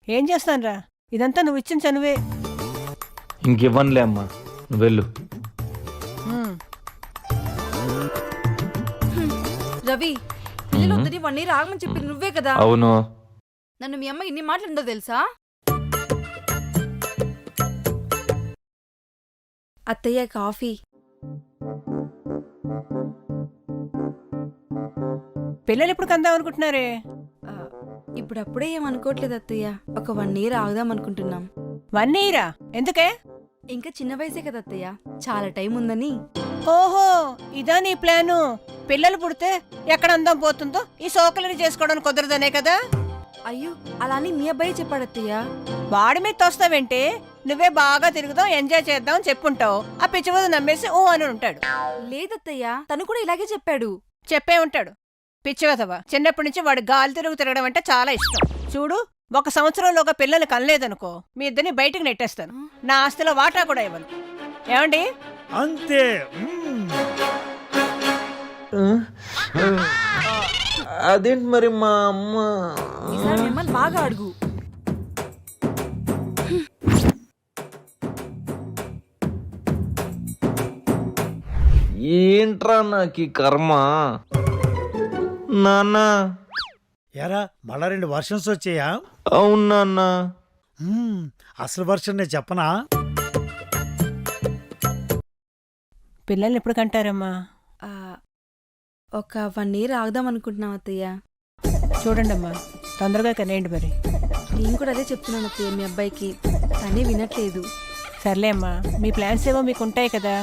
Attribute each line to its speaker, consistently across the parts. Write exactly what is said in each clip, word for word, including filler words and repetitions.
Speaker 1: ఏం చేస్తానురా, ఇదంతా నువ్వు ఇచ్చిన చనువే.
Speaker 2: ఇంకివ్వనులే అమ్మా, నువ్వు వెళ్ళు.
Speaker 1: హ్మ్.
Speaker 3: రవి, పిల్లలు వద్దని వన్ ఇయర్ ఆగమని చెప్పింది నువ్వే కదా.
Speaker 2: అవును.
Speaker 3: నన్ను మీ అమ్మ ఇన్ని మాటలుందో తెలుసా? అత్తయ్య కాఫీ.
Speaker 1: పిల్లలు ఎప్పుడు కందాం అనుకుంటున్నారే?
Speaker 3: ఆ, ఇప్పుడప్పుడే ఏమనుకోవట్లేదు అత్తయ్య, ఒక వన్ ఇయర్ ఆగుదాం అనుకుంటున్నాం.
Speaker 1: వన్ ఇయరా? ఎందుకే?
Speaker 3: ఇంకా చిన్న వయసే కదా అత్తయ్య, చాలా టైం ఉందని.
Speaker 1: ఓహో, ఇదా నీ ప్లాను? పిల్లలు పుడితే ఎక్కడ అందం పోతుందో ఈ సోకలిని చేసుకోవడానికి కుదరదనే కదా?
Speaker 3: అయ్యో, అలా అని మీ అబ్బాయి చెప్పాడు అత్తయ్య.
Speaker 1: వాడి మీద తోస్తావేంటి? నువ్వే బాగా తిరుగుదాం, ఎంజాయ్ చేద్దాం అని చెప్పుంటావు. ఆ పిచ్చివదు నమ్మేసి ఊ అని ఉంటాడు.
Speaker 3: లేదత్తయ్య, తను కూడా ఇలాగే చెప్పాడు.
Speaker 1: చెప్పే ఉంటాడు పిచ్చివదవా. చిన్నప్పటి నుంచి వాడు గాలి తిరుగు తిరగడం అంటే చాలా ఇష్టం. చూడు, ఒక సంవత్సరంలోగా పిల్లలు కనలేదనుకో, మీ ఇద్దరిని బయటికి నెట్టేస్తాను. నా ఆస్తిలో వాటా కూడా ఇవ్వను. ఏమండి?
Speaker 4: అంతే.
Speaker 2: అదేంటి మరి మా అమ్మ
Speaker 3: ఈసారి మిమ్మల్ని బాగా అడుగు.
Speaker 2: ఏంట్రా నాకు ఈ కర్మ. నాన్న.
Speaker 4: ఎరా మళ్ళా రెండు వర్షన్స్ వచ్చాయా?
Speaker 2: అవును నాన్న.
Speaker 4: మ్మ్, అసలు వర్షన్ నేను చెప్పనా?
Speaker 1: పిల్లల్ని ఎప్పుడు కంటారమ్మా?
Speaker 3: ఆ, ఒక వన్ ఇయర్ ఆగుదాం అనుకుంటున్నాం అత్తయ్య.
Speaker 1: చూడండమ్మా, తొందరగా కనేయండి మరి.
Speaker 3: నేను కూడా అదే చెప్తున్నాను అత్తయ్య మీ అబ్బాయికి, తనే వినట్లేదు.
Speaker 1: సర్లే అమ్మా, మీ ప్లాన్స్ ఏవో మీకు ఉంటాయి కదా.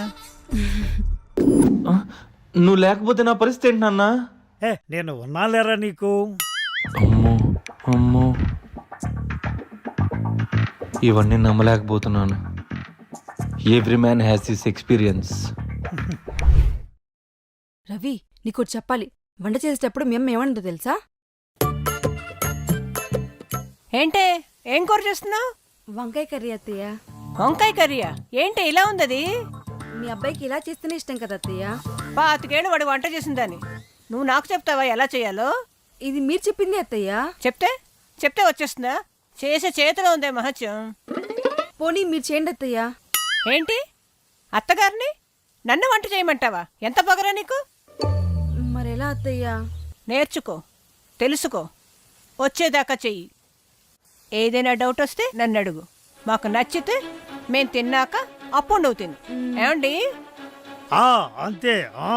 Speaker 2: ఆ, నువ్వు లేకపోతే నా పరిస్థితి ఏంటి నాన్న?
Speaker 4: ఏ నేను ఉన్నాలేరా నీకు.
Speaker 2: అమ్మో అమ్మో, ఇవన్నీ నమ్మలేకపోతున్నాను. Every man has this experience.
Speaker 3: Ravi, నీకు చెప్పాలి, వంట చేసేటప్పుడు మేము ఏమన్నదో తెలుసా?
Speaker 1: ఏంటే, ఏం కూర చేస్తున్నావు?
Speaker 3: వంకాయ కర్రీ అత్తయ్య.
Speaker 1: వంకాయ కర్రీయా? ఏంటి ఇలా ఉందది?
Speaker 3: మీ అబ్బాయికి ఇలా చేస్తేనే ఇష్టం కదా అత్తయ్య.
Speaker 1: పాతికేళ్ళు వాడు వంట చేసిందని నువ్వు నాకు చెప్తావా ఎలా చేయాలో?
Speaker 3: ఇది మీరు చెప్పింది అత్తయ్య.
Speaker 1: చెప్తే చెప్తే వచ్చేస్తుందా? చేసే చేతిలో ఉందే మహత్యం.
Speaker 3: పోనీ మీరు చేయండి అత్తయ్య.
Speaker 1: ఏంటి, అత్తగారిని నన్ను వంట చేయమంటావా? ఎంత పొగరా నీకు?
Speaker 3: మరెలా అత్తయ్య?
Speaker 1: నేర్చుకో, తెలుసుకో, వచ్చేదాకా చెయ్యి. ఏదైనా డౌట్ వస్తే నన్ను అడుగు. మాకు నచ్చితే మేం తిన్నాక అప్పుడు నువ్వు తిను. ఏమండి?
Speaker 4: ఆ అంతే. ఆ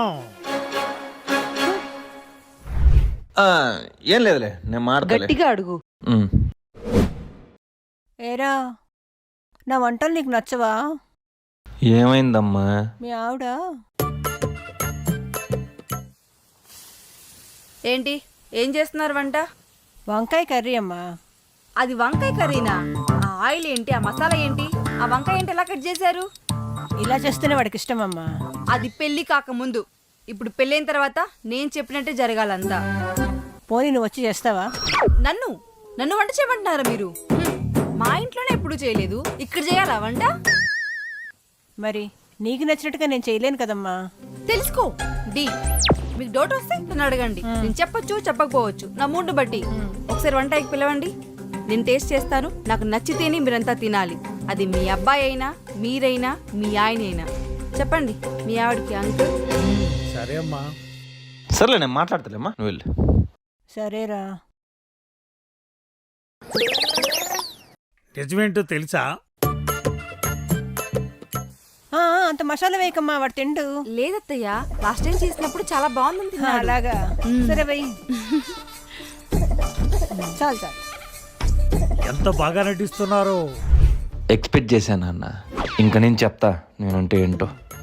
Speaker 2: ఆ, ఏం లేదులే, నేను మాట్లాడలే.
Speaker 3: గట్టిగా అడుగు.
Speaker 1: ఏరా, నా వంటలు నీకు నచ్చవా?
Speaker 2: ఏమైందమ్మా?
Speaker 1: మీ ఆవిడ
Speaker 3: ఏంటి, ఏం చేస్తున్నారు వంట?
Speaker 1: వంకాయ కర్రీ అమ్మా.
Speaker 3: అది వంకాయ కర్రీనా? ఆ ఆయిల్ ఏంటి, ఆ మసాలా ఏంటి, ఆ వంకాయ ఏంటి ఎలా కట్ చేశారు?
Speaker 1: ఇలా చేస్తేనే వాడికి ఇష్టమమ్మా.
Speaker 3: అది పెళ్లి కాకముందు. ఇప్పుడు పెళ్ళైన తర్వాత నేను చెప్పినట్టే జరగాలంతా.
Speaker 1: పోనీ నువ్వు వచ్చి చేస్తావా?
Speaker 3: నన్ను నన్ను వంట చేయమంటున్నారా మీరు? హ్మ్, మా ఇంట్లోనే ఎప్పుడు చేయలేదు, ఇక్కడ చేయాలా వంట?
Speaker 1: మరి నీకు నచ్చినట్టుగా నేను చేయలేను కదమ్మా.
Speaker 3: తెలుసుకో డి. మీకు డౌట్ వస్తే నన్ను అడగండి, నేను చెప్పొచ్చు చెప్పకపోవచ్చు, నా మూడు బట్టి. ఒకసారి వంటకి పిలవండి, నేను టేస్ట్ చేస్తాను. నాకు నచ్చితేనే మీరంతా తినాలి. అది మీ అబ్బాయి అయినా, మీరైనా, మీ ఆయన అయినా. చెప్పండి మీ ఆవిడకి అంకుల్.
Speaker 4: సరే అమ్మా.
Speaker 2: సర్లే, నేను మాట్లాడతలేమ్మా, నువ్వు వెళ్ళు.
Speaker 1: సరేరా.
Speaker 4: నిజమేంటో తెలుసా?
Speaker 1: ఆ, అంత మసాలా వేయకమ్మా, వాడు తిండు.
Speaker 3: లేదత్తయ్య, లాస్ట్ టైం చేసినప్పుడు చాలా బాగుంది.
Speaker 1: ఆ, అలాగా. సరే వెయ్యి. చాలు చాలు.
Speaker 4: ఎంత బాగా నటిస్తున్నారు.
Speaker 2: ఎక్స్పెక్ట్ చేశాను అన్న. ఇంకా నేను చెప్తా నేనంటే ఏంటో.